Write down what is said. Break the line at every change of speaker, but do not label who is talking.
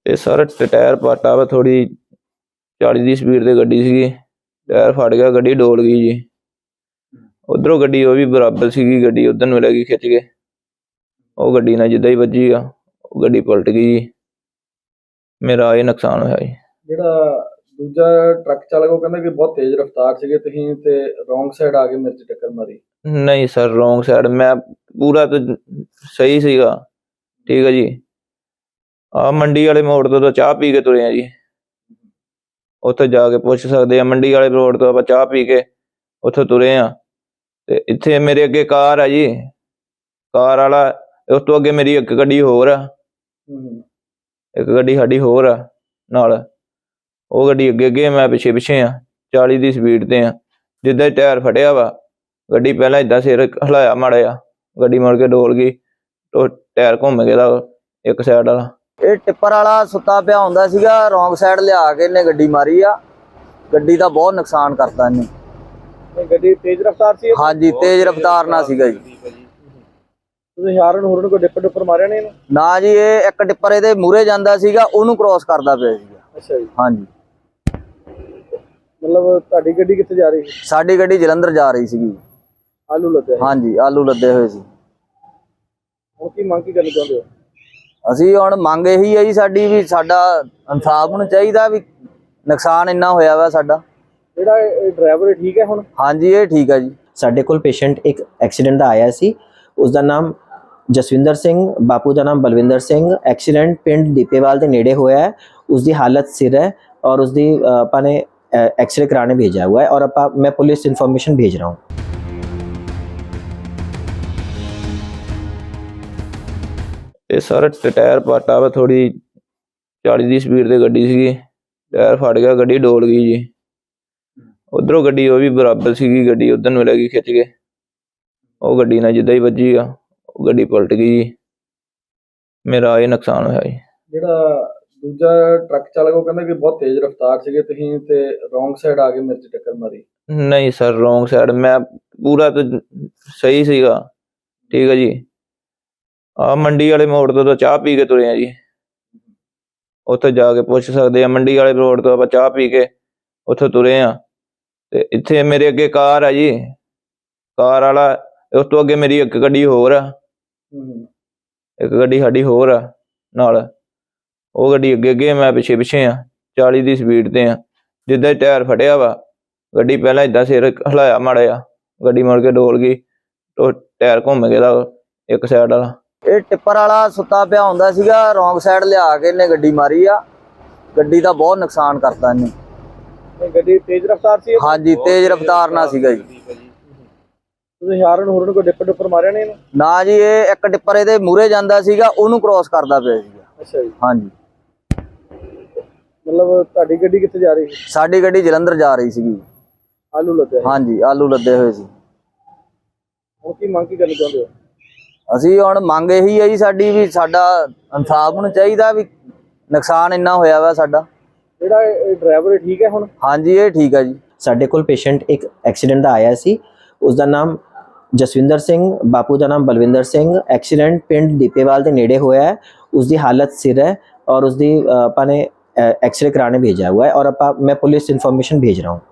ਇਹ sir tyre ਪਾਟਾ ਵਾ ਥੋੜੀ 40 ਦੀ ਸਪੀਡ ਤੇ ਗੱਡੀ ਸੀਗੀ। ਟਾਇਰ ਫਟ ਗਿਆ, ਗੱਡੀ ਡੋਲ ਗਈ ਜੀ। ਉਧਰੋਂ ਗੱਡੀ ਉਹ ਵੀ ਬਰਾਬਰ ਸੀਗੀ, ਗੱਡੀ ਉਧਰ ਨੂੰ ਲੱਗੀ ਖਿੱਚ ਕੇ। ਉਹ ਗੱਡੀ ਨਾਲ ਜਿੱਦਾਂ ਹੀ ਵੱਜੀ ਆ, ਉਹ ਗੱਡੀ ਪਲਟ ਗਈ ਜੀ। ਮੇਰਾ ਇਹ ਨੁਕਸਾਨ ਹੋਇਆ ਜੀ।
ਜਿਹੜਾ ਦੂਜਾ ਟਰੱਕ ਚਾਲਕ ਉਹ ਕਹਿੰਦਾ ਕਿ ਬਹੁਤ ਤੇਜ਼ ਰਫ਼ਤਾਰ ਸੀਗੇ ਤੁਸੀਂ ਤੇ ਰੋਂਗ ਸਾਈਡ ਆ ਕੇ ਮੇਰੇ 'ਚ ਟੱਕਰ ਮਾਰੀ।
ਨਹੀਂ ਸਰ, ਰੋਂਗ ਸਾਈਡ ਮੈਂ ਪੂਰਾ ਤਾਂ ਸਹੀ ਸੀਗਾ। ਠੀਕ ਹੈ ਜੀ। ਆ ਮੰਡੀ ਵਾਲੇ ਮੋੜ ਤੋਂ ਤਾਂ ਚਾਹ ਪੀ ਕੇ ਤੁਰੇ ਆ ਜੀ। ਉੱਥੇ ਜਾ ਕੇ ਪੁੱਛ ਸਕਦੇ ਆ, ਮੰਡੀ ਵਾਲੇ ਰੋਡ ਤੋਂ ਆਪਾਂ ਚਾਹ ਪੀ ਕੇ ਉੱਥੋਂ ਤੁਰੇ ਆ। ਤੇ ਇੱਥੇ ਮੇਰੇ ਅੱਗੇ ਕਾਰ ਆ ਜੀ, ਕਾਰ ਵਾਲਾ ਉਸ ਤੋਂ ਅੱਗੇ ਮੇਰੀ ਇੱਕ ਗੱਡੀ ਹੋਰ ਆ, ਇੱਕ ਗੱਡੀ ਸਾਡੀ ਹੋਰ ਆ ਨਾਲ। ਉਹ ਗੱਡੀ ਅੱਗੇ ਅੱਗੇ, ਮੈਂ ਪਿੱਛੇ ਪਿੱਛੇ ਆ। 40 ਦੀ ਸਪੀਡ ਤੇ ਆ। ਜਿੱਦਾਂ ਟਾਇਰ ਫਟਿਆ ਵਾ, ਗੱਡੀ ਪਹਿਲਾਂ ਏਦਾਂ ਸਿਰ ਹਿਲਾਇਆ ਮਾੜਾ ਜਿਹਾ, ਗੱਡੀ ਮੁੜ ਕੇ ਡੋਲ ਗਈ। ਉਹ ਟਾਇਰ ਘੁੰਮ ਗਿਆ ਦਾ ਇੱਕ ਸਾਈਡ ਵਾਲਾ।
ਇਹ ਟਿੱਪਰ ਵਾਲਾ ਸੁੱਤਾ ਪਿਆ ਹੁੰਦਾ ਸੀਗਾ, ਰੋਂਗ ਸਾਈਡ ਲਿਆ ਕੇ ਇਹਨੇ ਗੱਡੀ ਮਾਰੀ ਆ। ਗੱਡੀ ਦਾ ਬਹੁਤ ਨੁਕਸਾਨ ਕਰਤਾ ਇਹਨੇ।
ਗੱਡੀ ਤੇਜ਼ ਰਫ਼ਤਾਰ ਸੀ?
ਹਾਂਜੀ, ਤੇਜ਼ ਰਫ਼ਤਾਰ ਨਾਲ ਸੀਗਾ ਜੀ।
ਤੁਸੀਂ ਹਾਰਨ ਹੂਰਨ ਕੋਈ ਡਿੱਪਰ ਮਾਰਿਆ ਨਹੀਂ ਇਹਨੂੰ?
ਨਾ ਜੀ, ਇਹ ਇੱਕ ਟਿੱਪਰ ਇਹਦੇ ਮੂਹਰੇ ਜਾਂਦਾ ਸੀਗਾ, ਉਹਨੂੰ ਕ੍ਰੋਸ ਕਰਦਾ ਪਿਆ ਸੀਗਾ।
ਅੱਛਾ ਜੀ।
ਹਾਂਜੀ।
ਮਤਲਬ ਤੁਹਾਡੀ ਗੱਡੀ ਕਿੱਥੇ ਜਾ ਰਹੀ ਸੀ?
ਸਾਡੀ ਗੱਡੀ ਜਲੰਧਰ ਜਾ ਰਹੀ ਸੀਗੀ।
ਆਲੂ ਲੱਦੇ?
ਹਾਂਜੀ, ਆਲੂ ਲੱਦੇ ਹੋਏ ਸੀ।
ਹੁਣ ਕੀ ਮੰਗ ਕੀ ਕਰਨੀ ਚਾਹੁੰਦੇ ਹੋ?
ਅਸੀਂ ਹੁਣ ਮੰਗ ਇਹੀ ਹੈ ਜੀ ਸਾਡੀ, ਵੀ ਸਾਡਾ ਇਨਸਾਫ ਹੋਣਾ ਚਾਹੀਦਾ, ਵੀ ਨੁਕਸਾਨ ਇੰਨਾ ਹੋਇਆ ਵਾ ਸਾਡਾ।
ਜਿਹੜਾ ਡਰਾਈਵਰ ਠੀਕ ਹੈ ਹੁਣ?
ਹਾਂਜੀ, ਇਹ ਠੀਕ ਹੈ ਜੀ।
ਸਾਡੇ ਕੋਲ ਪੇਸ਼ੈਂਟ ਇੱਕ ਐਕਸੀਡੈਂਟ ਦਾ ਆਇਆ ਸੀ। ਉਸ ਦਾ ਨਾਮ ਜਸਵਿੰਦਰ ਸਿੰਘ, ਬਾਪੂ ਦਾ ਨਾਮ ਬਲਵਿੰਦਰ ਸਿੰਘ। ਐਕਸੀਡੈਂਟ ਪਿੰਡ ਦੀਪੇਵਾਲ ਦੇ ਨੇੜੇ ਹੋਇਆ ਹੈ। उसकी हालत सिर है और उसकी अपने एक्सरे कराने भेजा हुआ है और मैं पुलिस इन्फॉर्मेशन भेज रहा हूँ।
ਇਹ ਸਰ ਟਾਇਰ ਪਾਟਾ ਵਾ ਥੋੜੀ 40 ਦੀ ਸਪੀਡ ਤੇ ਗੱਡੀ ਸੀਗੀ। ਟਾਇਰ ਫਟ ਗਿਆ, ਗੱਡੀ ਡੋਲ ਗਈ ਜੀ। ਉਧਰੋਂ ਗੱਡੀ ਉਹ ਵੀ ਬਰਾਬਰ ਸੀਗੀ, ਗੱਡੀ ਉਧਰ ਨੂੰ ਲੱਗੀ ਖਿੱਚ ਕੇ। ਉਹ ਗੱਡੀ ਨਾਲ ਜਿੱਦਾਂ ਹੀ ਵੱਜੀ ਆ, ਉਹ ਗੱਡੀ ਪਲਟ ਗਈ ਜੀ। ਮੇਰਾ ਇਹ ਨੁਕਸਾਨ ਹੋਇਆ ਜੀ।
ਜਿਹੜਾ ਦੂਜਾ ਟਰੱਕ ਚਾਲਕ ਉਹ ਕਹਿੰਦਾ ਕਿ ਬਹੁਤ ਤੇਜ਼ ਰਫ਼ਤਾਰ ਸੀਗੇ ਤੁਸੀਂ ਤੇ ਰੋਂਗ ਸਾਈਡ ਆ ਕੇ ਮੇਰੇ 'ਚ ਟੱਕਰ ਮਾਰੀ।
ਨਹੀਂ ਸਰ, ਰੋਂਗ ਸਾਈਡ ਮੈਂ ਪੂਰਾ ਤਾਂ ਸਹੀ ਸੀਗਾ। ਠੀਕ ਹੈ ਜੀ। ਆ ਮੰਡੀ ਵਾਲੇ ਮੋੜ ਤੋਂ ਤਾਂ ਚਾਹ ਪੀ ਕੇ ਤੁਰੇ ਆ ਜੀ। ਉੱਥੇ ਜਾ ਕੇ ਪੁੱਛ ਸਕਦੇ ਆ, ਮੰਡੀ ਵਾਲੇ ਰੋਡ ਤੋਂ ਆਪਾਂ ਚਾਹ ਪੀ ਕੇ ਉੱਥੋਂ ਤੁਰੇ ਆ। ਤੇ ਇੱਥੇ ਮੇਰੇ ਅੱਗੇ ਕਾਰ ਆ ਜੀ, ਕਾਰ ਵਾਲਾ ਉਸ ਤੋਂ ਅੱਗੇ ਮੇਰੀ ਇੱਕ ਗੱਡੀ ਹੋਰ ਆ, ਇੱਕ ਗੱਡੀ ਸਾਡੀ ਹੋਰ ਆ ਨਾਲ। ਉਹ ਗੱਡੀ ਅੱਗੇ ਅੱਗੇ, ਮੈਂ ਪਿੱਛੇ ਪਿੱਛੇ ਆ। 40 ਦੀ ਸਪੀਡ ਤੇ ਆ। ਜਿੱਦਾਂ ਟਾਇਰ ਫਟਿਆ ਵਾ, ਗੱਡੀ ਪਹਿਲਾਂ ਏਦਾਂ ਸਿਰ ਹਿਲਾਇਆ ਮਾੜਾ ਜਿਹਾ, ਗੱਡੀ ਮੁੜ ਕੇ ਡੋਲ ਗਈ। ਉਹ ਟਾਇਰ ਘੁੰਮ ਗਿਆ ਦਾ ਇੱਕ ਸਾਈਡ ਵਾਲਾ।
ਇਹ ਟਿੱਪਰ ਵਾਲਾ ਸੁੱਤਾ ਪਿਆ ਹੁੰਦਾ ਸੀਗਾ, ਰੋਂਗ ਸਾਈਡ ਲਿਆ ਕੇ ਇਹਨੇ ਗੱਡੀ ਮਾਰੀ ਆ। ਗੱਡੀ ਦਾ ਬਹੁਤ ਨੁਕਸਾਨ ਕਰਤਾ ਇਹਨੇ।
ਗੱਡੀ ਤੇਜ਼ ਰਫ਼ਤਾਰ ਸੀ?
ਹਾਂਜੀ, ਤੇਜ਼ ਰਫ਼ਤਾਰ ਨਾਲ ਸੀਗਾ ਜੀ।
ਤੁਸੀਂ ਹਾਰਨ ਹੂਰਨ ਕੋਈ ਡਿੱਪਰ ਮਾਰਿਆ ਨਹੀਂ ਇਹਨੂੰ?
ਨਾ ਜੀ, ਇਹ ਇੱਕ ਟਿੱਪਰ ਇਹਦੇ ਮੂਹਰੇ ਜਾਂਦਾ ਸੀਗਾ, ਉਹਨੂੰ ਕ੍ਰੋਸ ਕਰਦਾ ਪਿਆ ਸੀਗਾ।
ਅੱਛਾ ਜੀ।
ਹਾਂਜੀ।
ਮਤਲਬ ਤੁਹਾਡੀ ਗੱਡੀ ਕਿੱਥੇ ਜਾ ਰਹੀ ਸੀ?
ਸਾਡੀ ਗੱਡੀ ਜਲੰਧਰ ਜਾ ਰਹੀ ਸੀਗੀ।
ਆਲੂ ਲੱਦੇ?
ਹਾਂਜੀ, ਆਲੂ ਲੱਦੇ ਹੋਏ ਸੀ।
ਹੁਣ ਕੀ ਮੰਗ ਕੀ ਕਰਨੀ ਚਾਹੁੰਦੇ ਹੋ?
ਅਸੀਂ ਹੁਣ ਮੰਗ ਇਹੀ ਹੈ ਜੀ ਸਾਡੀ, ਵੀ ਸਾਡਾ ਇਨਸਾਫ ਹੋਣਾ ਚਾਹੀਦਾ, ਵੀ ਨੁਕਸਾਨ ਇੰਨਾ ਹੋਇਆ ਵਾ ਸਾਡਾ।
ਜਿਹੜਾ ਡਰਾਈਵਰ ਠੀਕ ਹੈ ਹੁਣ?
ਹਾਂਜੀ, ਇਹ ਠੀਕ ਹੈ ਜੀ।
ਸਾਡੇ ਕੋਲ ਪੇਸ਼ੈਂਟ ਇੱਕ ਐਕਸੀਡੈਂਟ ਦਾ ਆਇਆ ਸੀ। ਉਸ ਦਾ ਨਾਮ ਜਸਵਿੰਦਰ ਸਿੰਘ, ਬਾਪੂ ਦਾ ਨਾਮ ਬਲਵਿੰਦਰ ਸਿੰਘ। ਐਕਸੀਡੈਂਟ ਪਿੰਡ ਦੀਪੇਵਾਲ ਦੇ ਨੇੜੇ ਹੋਇਆ है। उसकी हालत सिर है और उसकी अपने एक्सरे कराने भेजा हुआ है और मैं पुलिस इन्फॉर्मेशन भेज रहा हूँ।